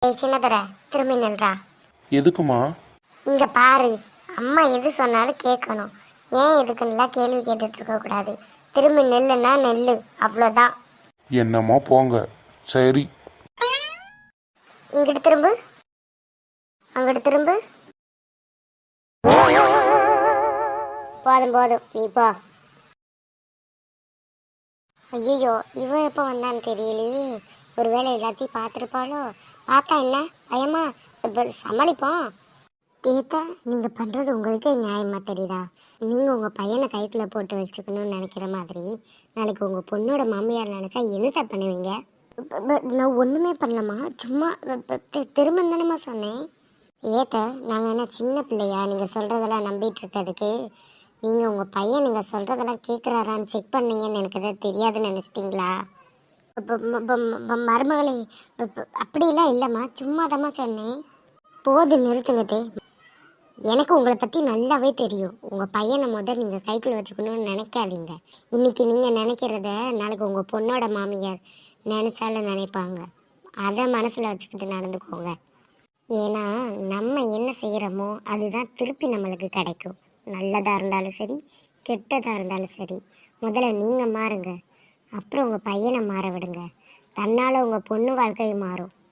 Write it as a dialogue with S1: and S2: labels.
S1: ஏய் சின்னதர, திரும்பி நில்றா.
S2: எதுக்குமா?
S1: இங்க பாரு, அம்மா எது சொன்னாலும் கேட்கணும். ஏன் எதுக்குன்னுலாம் கேள்வி கேட்டுட்டு இருக்க கூடாது. திரும்பி நெல்லுன்னா நெல்லு, அவ்வளோதான்.
S2: என்னம்மா போங்க. சரி.
S1: இங்கிட்டு திரும்பு, அங்கிட்டு திரும்பு. போதும் போதும், நீ போ. ஐயோ, இவன் எப்போ வந்தான்னு தெரியலையே. ஒருவேளை எல்லாத்தையும் பார்த்துருப்பாளோ? பார்த்தா என்ன பயமா? இப்போ சமாளிப்போம். ஏத்தா, நீங்கள் பண்ணுறது உங்களுக்கே நியாயமாக தெரியுதா? நீங்கள் உங்கள் பையனை கைக்குள்ளே போட்டு வச்சுக்கணும்னு நினைக்கிற மாதிரி நாளைக்கு உங்கள் பொண்ணோட மாமியார் நினச்சா என்னத்தை பண்ணுவீங்க? நான் ஒன்றுமே பண்ணலம்மா, சும்மா திரும்ப தானேம்மா சொன்னேன். ஏத்த, நாங்கள் என்ன சின்ன பிள்ளையா நீங்கள் சொல்கிறதெல்லாம் நம்பிட்டு இருக்கிறதுக்கு? நீங்கள் உங்கள் பையன் நீங்கள் சொல்கிறதெல்லாம் கேட்குறாரான்னு செக் பண்ணீங்கன்னு எனக்கு எதாவது தெரியாதுன்னு நினச்சிட்டிங்களா? மருமகளே, அப்படிலாம் இல்லைம்மா, சும்மா தாம்மா சொன்னேன். போது நிறுத்துங்கதே. எனக்கு உங்களை பற்றி நல்லாவே தெரியும். உங்கள் பையனை நீங்கள் கைக்குள்ளே வச்சுக்கணும்னு நினைக்காதீங்க. இன்றைக்கி நீங்கள் நினைக்கிறத நாளைக்கு உங்கள் பொண்ணோட மாமியார் நினச்சாலும் நினைப்பாங்க. அதை மனசில் வச்சுக்கிட்டு நடந்துக்கோங்க. ஏன்னா நம்ம என்ன செய்கிறோமோ அதுதான் திருப்பி நம்மளுக்கு கிடைக்கும். நல்லதாக இருந்தாலும் சரி, கெட்டதாக இருந்தாலும் சரி. முதல்ல நீங்கள் மாறுங்க, அப்புறம் உங்கள் பையனை மாற விடுங்க. தன்னால் உங்கள் பொண்ணு வாழ்க்கையும் மாறும்.